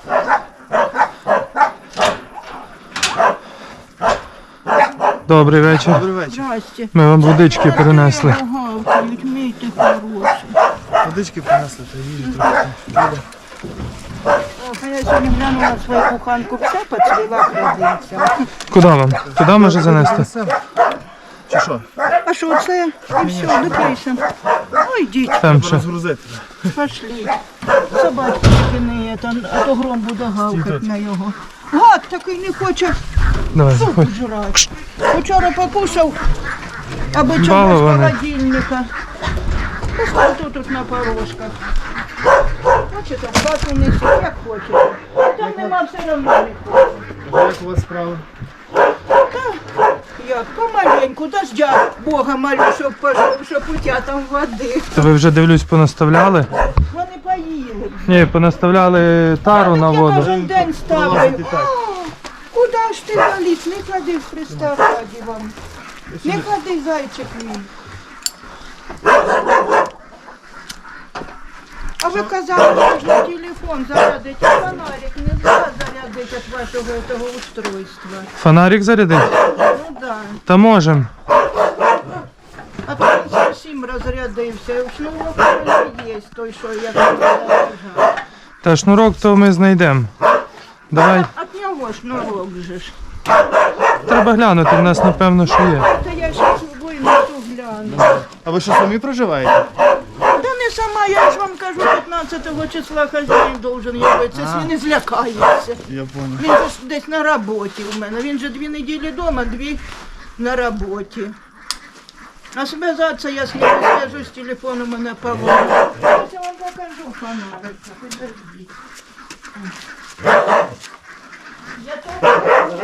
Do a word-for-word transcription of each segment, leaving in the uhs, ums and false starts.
Добрий вечір. Добрий вечір. Здрасте. Ми вам водички принесли. Гавкають, мийте хороші. Водички принесли, та їжі трохи. А я сьогодні глянула свою куханку, все поцвіла, крадеться. Куди вам? Туди може занести? Принесемо? Чи що? А що це? І все, допишем. Ну йдіть, Там ще. Розгрузити. пошли. Собачки не, а то гром буде гавкати на його. Гад такий не хоче Давай, суп заходь. жрати. Вчора покушав, аби чому з Балований. холодильника. Пускай тут, тут на порожках. Хочете, в хату несіть, як хочете. Там нема все одно нікого. Як у вас справи? Як помаленьку, дождя Бога молю, щоб пошов, щоб утятам води. То ви вже, дивлюсь, понаставляли? Вони поїли. Ні, понаставляли тару на Я воду. кожен день ставлю. Вилазить і так. Куди ж ти валіт? Не ходи в Христа раді вам. Не ходи, зайчик мій. А ви казали, що ж на телефон зарядить, а фонарик не можна зарядити від вашого того устройства. Фонарик зарядить? Ну да. Та можем. А то він зовсім розрядився. Шнурок не є той, що я казала. Та шнурок то ми знайдемо. Давай. От нього шнурок же ж. Треба глянути, в нас напевно що є. Та я ще винесу гляну. А ви що, самі проживаєте? Та не сама, я ж вам кажу, п'ятнадцятого числа хазяїн должен явитися, А. він не злякається. Я понял. Він же ж десь на роботі у мене, він же дві неділі вдома, дві на роботі. А зв'язатися я з ним зв'яжусь, телефон у мене поводить. Ось я вам покажу фонарик, підождіть. Я то...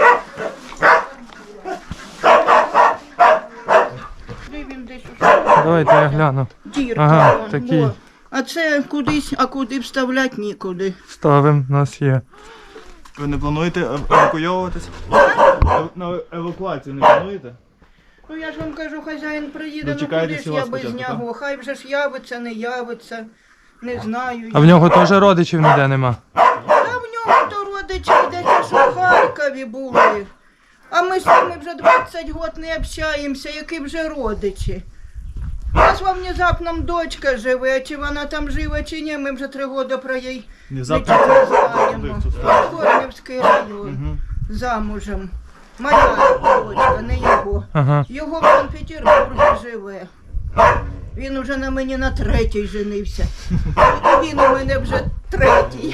Він десь у Давайте я гляну. дірка. Ага, вон, такий. во. А це кудись, а куди вставляти нікуди. Ставимо, у нас є. Ви не плануєте ев- евакуйовуватись? Ев- На евакуацію не плануєте? Ну я ж вам кажу, хазяїн приїде, ну Дочекаєтесь куди ж у я вас без спочатку, нього. Хай вже ж явиться, не явиться, не знаю. А в нього теж родичів ніде нема. Та в нього то родичі йдеться, що в Харкові були. А ми з ними вже двадцять років не общаємося, які вже родичі. У нас во внезапно дочка живе, чи вона там жива, чи ні, ми вже три роки про її Внезапно нічого не куди знаємо. в цю сторону? Корнівський район, Мгм. замужем. Моя дочка, не його. Ага. Його в Санкт-Петербурзі живе. Він уже на мені на третій женився. І він у мене вже третій.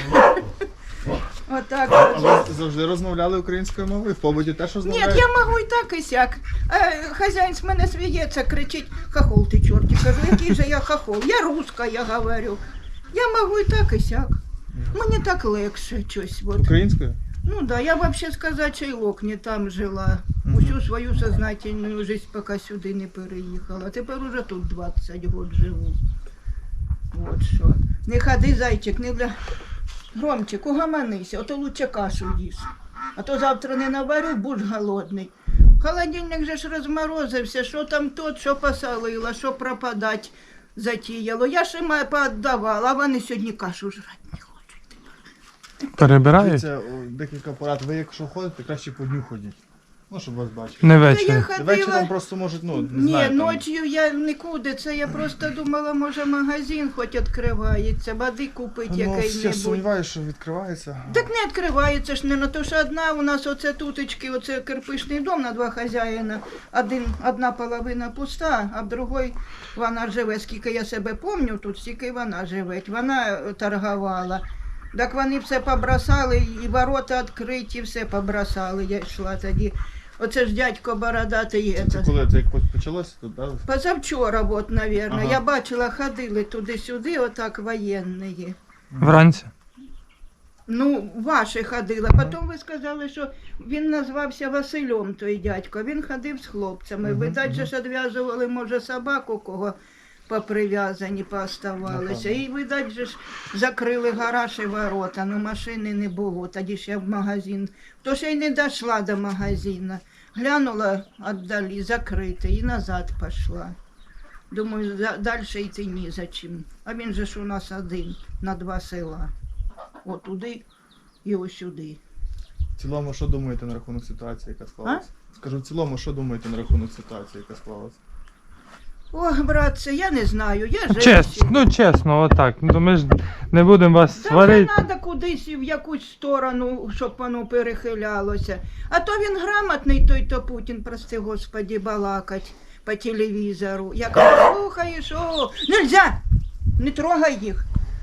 Отак. А от. ви завжди розмовляли українською мовою? В побуті теж Ні, розмовляєте? я можу і так, і сяк. Е, Хазяїн з мене сміється, кричить: хохол ти чорті. Кажу, який же я хохол? Я руська, я говорю. Я можу і так, і сяк. Мені так легше щось. От. Українською? Ну да, я вообще сказать, Чайлок не там жила. Мгм. Усю свою сознательную жизнь, поки сюди не переїхала. Тепер уже тут двадцять років живу. Вот що. Не ходи, зайчик, не для... Громчик, угомонися, а то лучше кашу їж. А то завтра не наварю, будь голодний. Холодильник же ж розморозився, що там тот, що посолила, що пропадать затіяло. Я ж їм поотдавала, а вони сьогодні кашу жрати не хочуть. Перебирають? Це о, декілька порад. Ви якщо ходите, краще по дню ходіть. Ну, щоб вас бачити. Не Та я ввечері. ходила... Вечором просто можуть, ну, не Ні, знаю, там... ночі я нікуди, це я просто думала, може магазин хоч відкривається, води купити Ну, я який-небудь. сумніваюся, що відкривається. Так не відкривається ж, не на то, що одна у нас оце туточки, оце кирпичний дом на два хазяїна, один, одна половина пуста, а в другій вона живе, скільки я себе пам'ятаю, тут стільки вона живе, вона торгувала. Так вони все побросали, і ворота відкриті, все побросали, я йшла тоді. Оце ж дядько бородатий. Це коли це як почалося тут, да? Позавчора, от, мабуть. Ага. Я бачила, ходили туди-сюди, отак воєнні. Вранці. Ну, ваші ходили. Потім ви сказали, що він назвався Василем, той дядько. Він ходив з хлопцями. Мгм, Видать, же мгм. ж відв'язували, може, собаку, кого поприв'язані, пооставалися. І, видать, же ж закрили гараж і ворота, ну машини не було. Тоді ж я в магазин. То ще й не дійшла до магазину. Глянула віддалі, закрите, і назад пішла. Думаю, за- далі йти ні за чим. А він же ж у нас один на два села. От туди його сюди. В цілому, що думаєте на рахунок ситуації, яка склалася? Скажу, в цілому, що думаєте на рахунок ситуації, яка склалася? Ох, братце, я не знаю, я женщина. Чесно, ну чесно, отак. Ну ми ж не будемо вас Та вже сварити. треба кудись в якусь сторону, щоб воно перехилялося. А то він грамотний, той то Путін, прости господі, балакать по телевізору. Як слухаєш, о, нельзя, не трогай їх.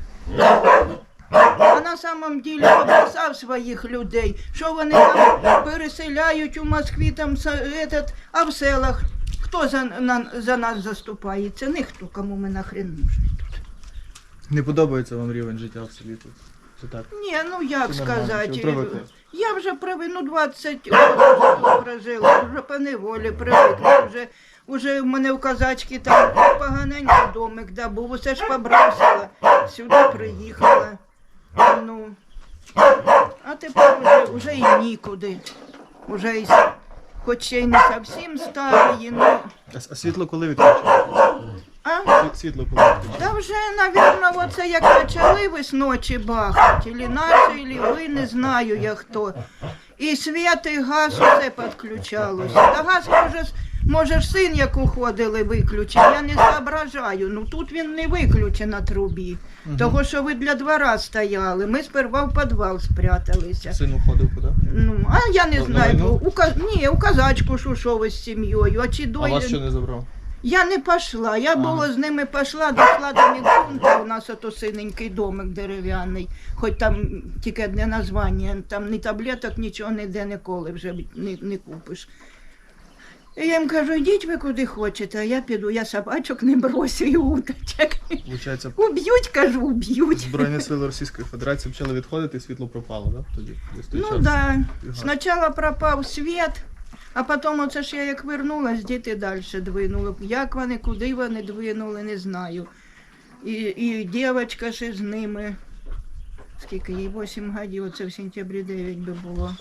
А на самом деле обрисав своїх людей, що вони там переселяють у Москві, там, этот, а в селах. Хто за, на, за нас заступається? Ніхто, кому ми нахрен нужні тут. Не подобається вам рівень життя в селі тут? Чи так? Ні, ну як Чи нормально? сказати, Чи привикли? я вже привик, ну двадцять років тут прожила, вже по неволі привикла, вже, вже в мене в казачки там поганенький домик, да, був, усе ж побросила, сюди приїхала, ну, а тепер вже, вже і нікуди, вже і, хоч ще й не зовсім старі, ну, А, а світло коли відключили? а? Сві- Світло коли відключили? Та вже, навірно, оце як почали ви з ночі бахати, или наші, или ви, не знаю я хто. І світ, і газ усе підключалося. Та газ, може, с- може ж син, як уходили, виключив, я не зображаю. Ну тут він не виключений на трубі. Того, що ви для двора стояли. Ми сперва в підвал спряталися. Син уходив куди? Ну, а я не На знаю, війну? у, ка- ні, у казачку шушови з сім'єю, а чи А дойлі... вас що не забрав? Я не пішла, я Ага. було з ними пішла, дійшла до медпункту, у нас ото синенький домик дерев'яний, хоч там тільки одне названня, там ні таблеток, нічого ніде ніколи вже не, не купиш. І я їм кажу, йдіть ви куди хочете, а я піду, я собачок не бросю і уточок. Виходить, Уб'ють, кажу, уб'ють. Збройні сили Російської Федерації почали відходити і світло пропало, так? Да? Тоді, десь той Ну час. так, да. І газ. Спочатку пропав світ, а потім оце ж я як вернулась, діти далі двинули. Як вони, куди вони двинули, не знаю. І, і дівчинка ще з ними. Скільки їй, вісім років, оце в сентябрі дев'ять би було.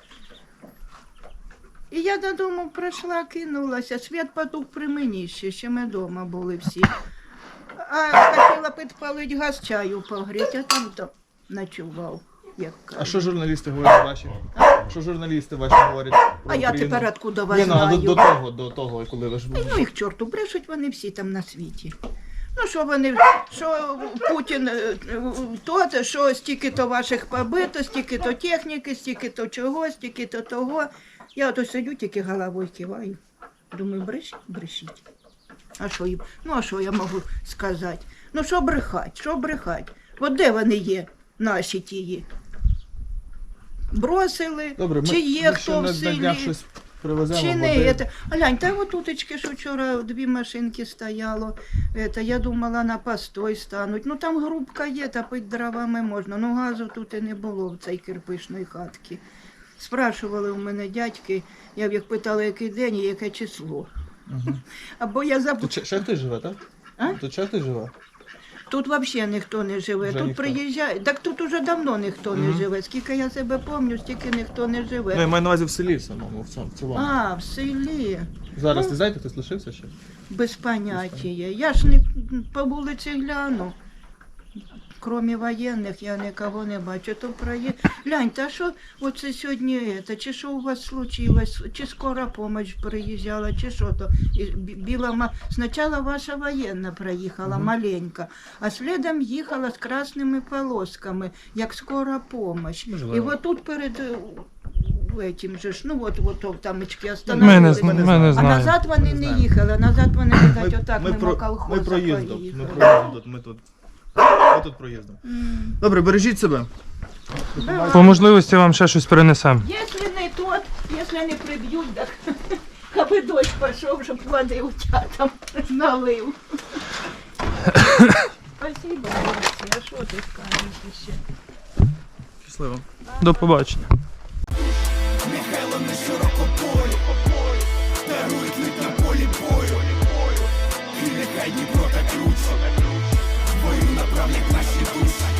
І я додому прийшла, кинулася, світ потух при мені ще, ще ми вдома були всі. А хотіла підпалити газ, чаю погріти, а там то ночував. Як А кажуть. що журналісти говорять ваші? Що журналісти ваші говорять про А я Україну? тепер откуда вас Ні, ну, а знаю? до, до того, до того, коли ви ж Та ну їх чорту, брешуть вони всі там на світі. Ну що вони, що Путін, е, то, що стільки-то ваших побито, стільки-то техніки, стільки-то чого, стільки-то того. Я ото сидю, тільки головою киваю. Думаю, брешіть, брешіть. А що їм? Ну а що я можу сказати? Ну що брехать, що брехать? От де вони є, наші тії? Бросили, Добре, ми, чи є ми ще хто в на, на днях селі? щось привеземо. Чи не води. это? Глянь, та от уточки, що вчора дві машинки стояло, это, я думала на постой стануть. Ну там грубка є, топить дровами можна, ну газу тут і не було в цій кирпичної хатці. Спрашували у мене дядьки, я б їх питала, який день і яке число. Мгм. Або я забула. Тут ще, ще хтось живе, так? А? Тут ще хтось живе? Тут взагалі ніхто не живе, Вже тут ніхто. приїжджає, так тут уже давно ніхто не Мгм. живе. Скільки я себе пам'ятаю, стільки ніхто не живе. Ну, я маю на увазі в селі самому, в цьому. В цілому. А, в селі. Зараз ну. не знаєте, хтось лишився ще? Без поняття. Я ж не по вулиці гляну. Кроме воєнних я нікого не бачу. То проє... Глянь, та що оце сьогодні, це, чи що у вас случилось, чи скора помощь приїжджала, чи що то. І бі- біла ма... Спочатку ваша воєнна проїхала, Мгм. маленька, а слідом їхала з красними полосками, як скора помощь. Можливо. І от тут перед е, этим же ж, ну от, от, от там очки Ми не, остановились. зна- Ми не ми не А знаємо. назад вони Не не знаємо. їхали, а назад вони, видать, отак ми, мимо про, колхоза ми проїздом, ми поїхали. проїздом тут, ми тут. Ми тут проїздом. М. Добре, бережіть себе. Давай. По можливості вам ще щось принесемо. Якщо не тот, якщо не приб'ють, так аби дощ пішов, щоб води утятам налив. Спасибо, хлопці, а що ти скажеш ще? Щасливо. До побачення. Михайло на широкополі, дарують лик на полі бою. І нехай Дніпро та ключ, бою направлять наші душі.